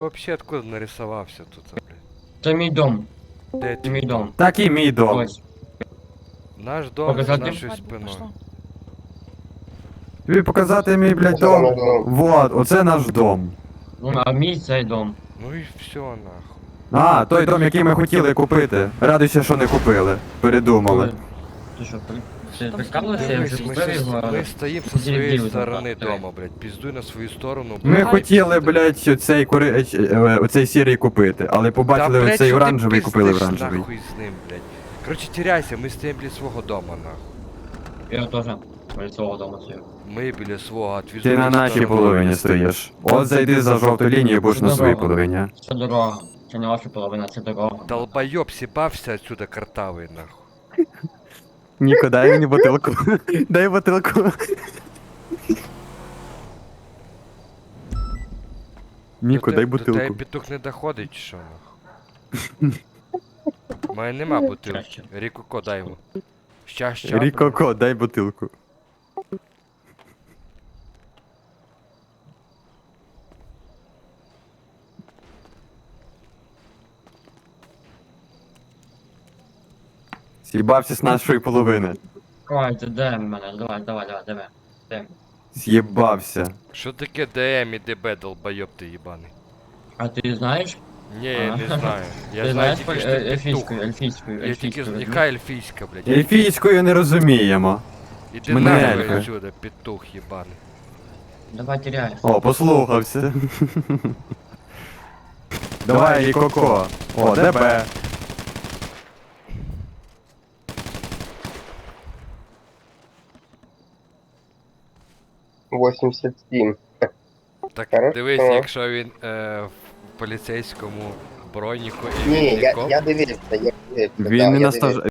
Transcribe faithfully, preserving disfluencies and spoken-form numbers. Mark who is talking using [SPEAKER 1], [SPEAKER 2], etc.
[SPEAKER 1] Вообще откуда нарисовался тут, а, блядь?
[SPEAKER 2] Це мій дом.
[SPEAKER 1] Де
[SPEAKER 2] Це
[SPEAKER 1] твій
[SPEAKER 2] мій дом.
[SPEAKER 3] Так і мій дом.
[SPEAKER 2] Ось.
[SPEAKER 1] Наш дом за
[SPEAKER 2] Показати?
[SPEAKER 1] нашою спиною.
[SPEAKER 3] Тобі показати мій, блядь, дом? Вот, оце наш дом.
[SPEAKER 2] Ну, а мій цей дом.
[SPEAKER 1] Ну і все нахуй.
[SPEAKER 3] А, той дом, який ми хотіли купити. Радуйся, що не купили. Передумали.
[SPEAKER 2] Ти що, при- ти прикалуєшся? Я вже
[SPEAKER 1] Дивись, ми,
[SPEAKER 2] купив
[SPEAKER 1] щас-
[SPEAKER 2] його.
[SPEAKER 1] ми стоїмо зі своєї
[SPEAKER 2] Дебіл,
[SPEAKER 1] сторони
[SPEAKER 2] давай.
[SPEAKER 1] дома, блядь. Піздуй на свою сторону,
[SPEAKER 3] Ми
[SPEAKER 1] блядь.
[SPEAKER 3] хотіли, блядь, оцей кури... е, е, оцей сірий купити, але
[SPEAKER 1] Та,
[SPEAKER 3] побачили
[SPEAKER 1] блядь,
[SPEAKER 3] оцей
[SPEAKER 1] що ти
[SPEAKER 3] оранжевий, купили
[SPEAKER 1] пиздиш
[SPEAKER 3] оранжевий.
[SPEAKER 1] нахуй з ним, блядь. Короче, теряйся, ми стоїмо біля свого дома, нахуй.
[SPEAKER 2] Я теж біля свого дому стою.
[SPEAKER 1] Ми біля свого, а твій
[SPEAKER 3] Ти на нашій половині стоїш. От зайди за жовту лінію, будеш на своїй половині.
[SPEAKER 2] Це дорога. Це не ваша половина, це дорога.
[SPEAKER 1] Долбойоб, сібався отсюда картавий, нахуй.
[SPEAKER 3] Ніко, дай мені бутилку. Дай бутилку. Ніко,
[SPEAKER 1] До
[SPEAKER 3] дай
[SPEAKER 1] те- До тебе
[SPEAKER 3] бутилку.
[SPEAKER 1] петух не доходить, чи що, нахуй? У мене нема бутилки.
[SPEAKER 2] Краще.
[SPEAKER 1] Рікоко дай йому. Щастя.
[SPEAKER 3] Рікоко, дай бутилку. З'їбався з нашої половини.
[SPEAKER 2] Ой, ти де мене? Давай, давай, давай, давай. Де?
[SPEAKER 3] З'їбався.
[SPEAKER 1] Що таке ДМ і ДБ, долбойоб ти їбаний?
[SPEAKER 2] А ти знаєш?
[SPEAKER 1] Ні, я не
[SPEAKER 2] А.
[SPEAKER 1] знаю. Я
[SPEAKER 2] Ти
[SPEAKER 1] знаю
[SPEAKER 2] знаєш
[SPEAKER 1] тільки,
[SPEAKER 2] поль-
[SPEAKER 1] що
[SPEAKER 2] е,
[SPEAKER 1] ти петух.
[SPEAKER 2] ельфійською, ельфійською,
[SPEAKER 1] Я тільки
[SPEAKER 2] ельфійською.
[SPEAKER 1] з-
[SPEAKER 2] розумієш?
[SPEAKER 1] яка ельфійська, блядь?
[SPEAKER 3] Ельфійською не розуміємо.
[SPEAKER 1] Іди
[SPEAKER 3] Ми
[SPEAKER 1] нахуй
[SPEAKER 3] ельфи.
[SPEAKER 1] отсюда, петух їбаний.
[SPEAKER 2] Давай теряєш.
[SPEAKER 3] О, послухався. Давай, Рікоко. О, ДБ.
[SPEAKER 4] восемьдесят семь.
[SPEAKER 1] Так
[SPEAKER 4] Хорошо.
[SPEAKER 1] дивись, якщо він е, в поліцейському броніку і
[SPEAKER 4] Ні,
[SPEAKER 1] він
[SPEAKER 4] я,
[SPEAKER 1] нікоп,
[SPEAKER 4] я дивився, я дивився. да,
[SPEAKER 3] Він не
[SPEAKER 4] я
[SPEAKER 3] на стаж...
[SPEAKER 4] дивився.